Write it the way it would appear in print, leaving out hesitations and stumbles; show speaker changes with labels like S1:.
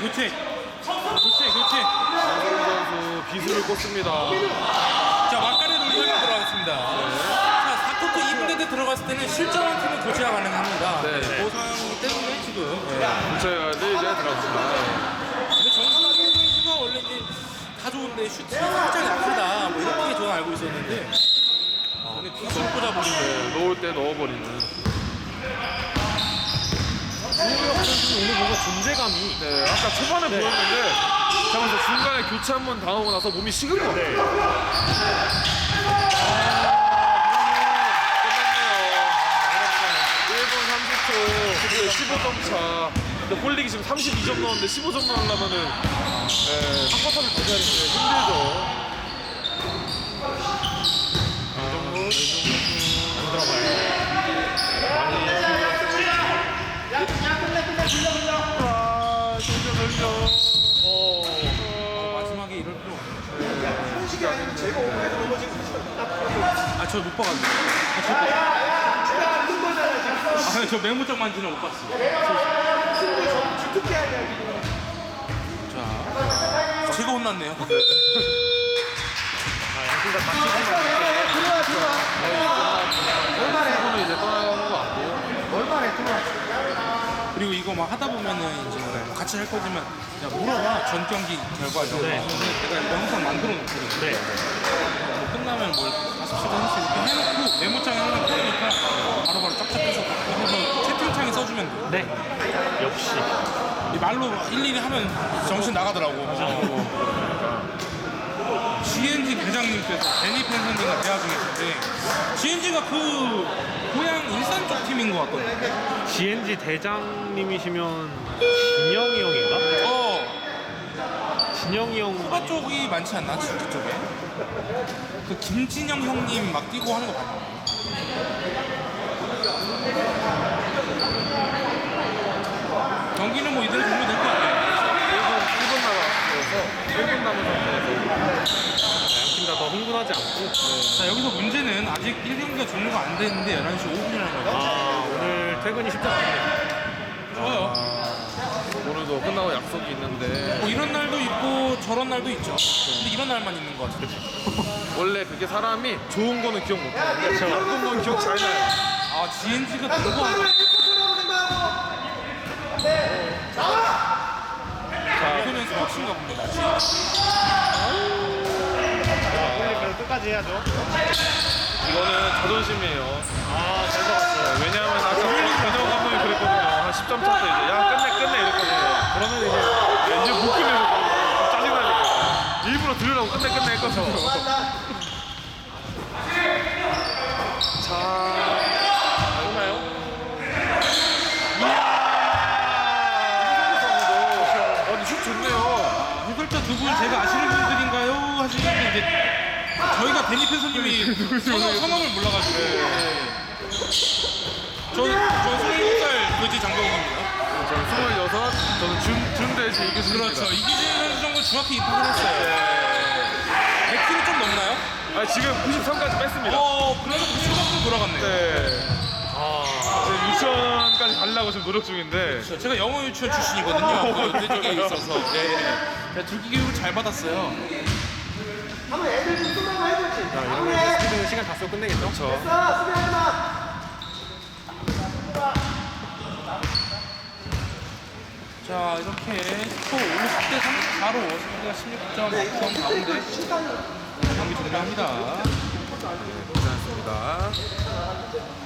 S1: 교체.
S2: 장성훈 선수 비수를 꽂습니다.
S1: 자, 막간에 돌리면 들어가겠습니다. 자, 4쿼터 2분 대때 들어갔을 때는 실전한 팀은 교체가 가능합니다.
S2: 네.
S1: 그 상황이기 때문에 지금.
S2: 교체가 이제 들어갔습니다.
S1: 근데 정승환 선수가 원래 이제 다 좋은데 슈팅이 살짝 약하다. 뭐 이렇게 저는 알고 있었는데. 근데 빗을 꽂아버리네.
S2: 네, 넣을 때 넣어버리는.
S3: 주호영 선수는 오늘 뭔가 존재감이
S2: 네, 아까 초반에 보였는데 잠깐만 중간에 교체 한 번 당하고 나서 몸이 식은 것 같아요. 끝났네요. 1분 30초, 15점 차. 근데 홀릭이 지금 32점 넣었는데 15점 넣으려면은 한 쿼터를 더 해야 되는데 힘들죠.
S1: 마지막에 이럴 필요 없네. 아, 저 못 봐가지고. 저 메모장 만지는 못 봤어. 자, 제가 혼났네요.
S3: 양팀 다 같이
S2: 이번에 이제 떠나가는 거 같고.
S1: 그리고 이거 막 하다 보면은 이제 같이 할 거지만 야, 물어봐. 전 경기 결과 이런 거.
S3: 네.
S1: 내가 영상 만들어 놓거든요.
S3: 네.
S1: 뭐 끝나면 뭘 5시간 한씩 이렇게 해놓고 메모장에 하나 펴니까 바로바로 쫙쫙 해서 해서 채팅창에 써주면 돼.
S3: 네. 역시.
S1: 이 말로 일일이 하면 정신 나가더라고. GNG 대장님께서 데니 팬선님과 대화 중이신데 GNG가 그 고향 일산 쪽 팀인 것 같거든요.
S3: GNG 대장님이시면 진영이 형인가? 진영이 형.
S1: 후바 쪽이 많지 않나? GNG 쪽에? 그 김진영 형님 막 뛰고 하는 거 봤나? 경기는 뭐 이대로 보면 될 것 같아요.
S2: 1분 남았어서 1분 남은 상태에서
S3: 양팀 다 더 흥분하지 않고.
S1: 자, 여기서 문제는 아직 1경기가 종료가 안 됐는데 11시 5분이라는 거죠.
S3: 오늘 퇴근이 쉽지 않네요.
S1: 좋아요.
S2: 오늘도 끝나고 약속이 있는데
S1: 뭐 이런 날도 있고 저런 날도 있죠. 근데 이런 날만 있는 것 같아요.
S2: 원래 그게 사람이 좋은 거는 기억 못 하는데 나쁜 건 기억 잘 나요.
S1: 아, GNG가 너무 안 자, 이거는 스포츠인가 봅니다.
S3: 그래도 끝까지 해야죠.
S2: 이거는 자존심이에요.
S3: 잘 잡았어요.
S2: 왜냐하면 아까 변형 감독이 그랬거든요. 한 10점 차 때 이제 야 끝내 이랬거든요.
S3: 그러면 이제
S2: 야, 이제 못 끝내고 짜증나니까 일부러 들으라고 끝내 했거든요. 자, 오나요? 아니 슛 좋네요.
S1: 해설자 두 분 제가 아시는 분들인가요? 하시는데 이제 저희가 데니 팬서님이 성함을 몰라가지고 저는 27살 돼지 장병입니다.
S2: 저는 26, 저는 준돼지 이규진입니다.
S1: 그렇죠. 이기진 선수 정도 중학교 입학을 했어요. 100kg 좀 넘나요?
S2: 아 지금 93까지 뺐습니다.
S1: 그래서 90kg 돌아갔네요.
S2: 네. 지금 유치원까지 가려고 지금 노력 중인데.
S1: 제가 영어 유치원 출신이거든요. 그 돼지계에 있어서. 제가 줄기 교육을 잘 받았어요.
S3: 자, 이러면 이제 스피드 시간 다 쓰고 끝내겠죠?
S2: 그렇죠.
S1: 자, 이렇게 스코어 50대 34로 승리가 16점 앞선 가운데 경기 종료합니다.
S2: 괜찮습니다.